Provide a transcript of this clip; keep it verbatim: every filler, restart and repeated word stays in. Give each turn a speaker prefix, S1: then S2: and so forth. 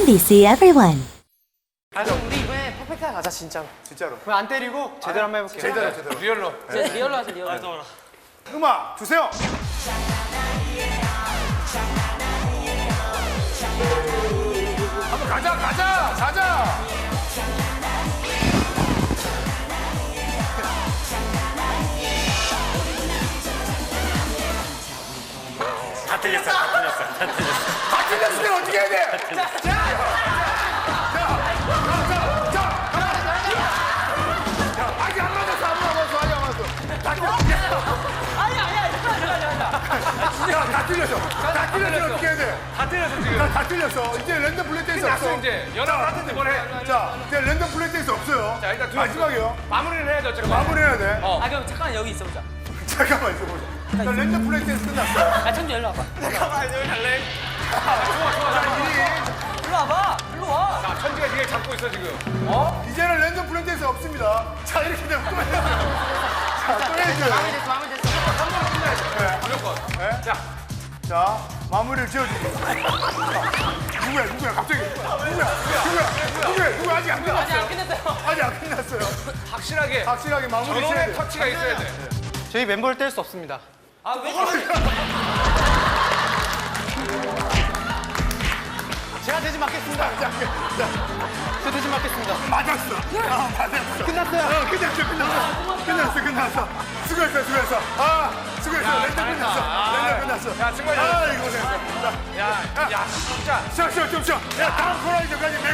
S1: 엠비씨 everyone.
S2: 아, 그럼 우리 이번에 퍼펙트하게 가자, 진짜로.
S3: 진짜로.
S2: 그럼 안 때리고 제대로 한번 해볼게요.
S3: 제대로 제대로.
S4: 리얼로.
S2: 제 리얼로 하자, 리얼로.
S3: 음악 주세요. 한번 가자 가자 가자.
S4: 다 틀렸어, 다 틀렸어, 다 틀렸어.
S3: 다 틀렸으면 어떻게 해야 돼? 자, 자, 자, 자, 자, 자, 아직 안 맞았어, 안 맞았어, 아직 안 맞았어. 다 틀렸어.
S2: 아니야, 아니야, 잠깐만, 잠깐만, 잠깐만.
S3: 야, 다 틀렸어. 다 틀렸으면 어떻게 해야 돼?
S4: 다 틀렸어, 지금.
S3: 다, 다 틀렸어. 이제 랜덤 플레이 댄스 없어.
S4: 끝났어, 이제. 연합 하든지 뭘 해.
S3: 자, 이제 랜덤 플레이 댄스 없어요.
S4: 자, 일단 두
S3: 마지막이요.
S4: 마무리를 해야죠, 어쨌든.
S3: 마무리해야 돼.
S4: 어.
S2: 아, 그럼 잠깐 여기 있어보자.
S3: 잠깐만 있어보자. 자, 랜덤 플레이 댄스 끝났어.
S2: 야, 천주 일로 와봐.
S4: 잠깐만, 여기 갈래? 좋아, 좋아,
S3: 자,
S4: 좋아.
S3: 이
S2: 일로 와봐. 일로 와.
S4: 자, 천지가 니가 잡고 있어, 지금.
S3: 이제는 랜덤 플레이 댄스 없습니다. 자, 이렇게 되면 또 해야죠. 자, 또 해야죠.
S2: 마음에 됐어, 마음에 됐어.
S4: 무조건.
S3: 네.
S4: 자,
S3: 자, 마무리를 지어주고. 누구야, 누구야, 갑자기. 누구야, 누구야, 누구야, 누구야, 아직 안
S2: 아직
S3: 끝났어요.
S2: 안 끝냈어요.
S3: 아직 안 끝났어요.
S4: 확실하게
S3: 확실하게 마무리 지어야
S4: 전원의
S3: 돼.
S4: 터치가 있어야 돼.
S2: 저희 멤버를 뗄 수 없습니다. 아, 왜 그러지? 제가 대신 맡겠습니다.
S3: 자, 자,
S2: 저 대신 맡겠습니다.
S3: 맞았어. 아, 맞았어.
S2: 끝났어요.
S3: 어, 끝났어, 끝났어. 끝났어, 끝났어. 수고했어, 수고했어. 아, 수고했어.
S4: 야,
S3: 랜덤
S4: 잘했다.
S3: 끝났어.
S4: 아,
S3: 랜덤 끝났어.
S4: 야, 정말
S3: 아,
S4: 잘했어.
S3: 이거 고생했어. 자,
S4: 야, 야, 진짜.
S3: 쉬어, 쉬어, 좀 쉬어. 야, 다음 코너에서까지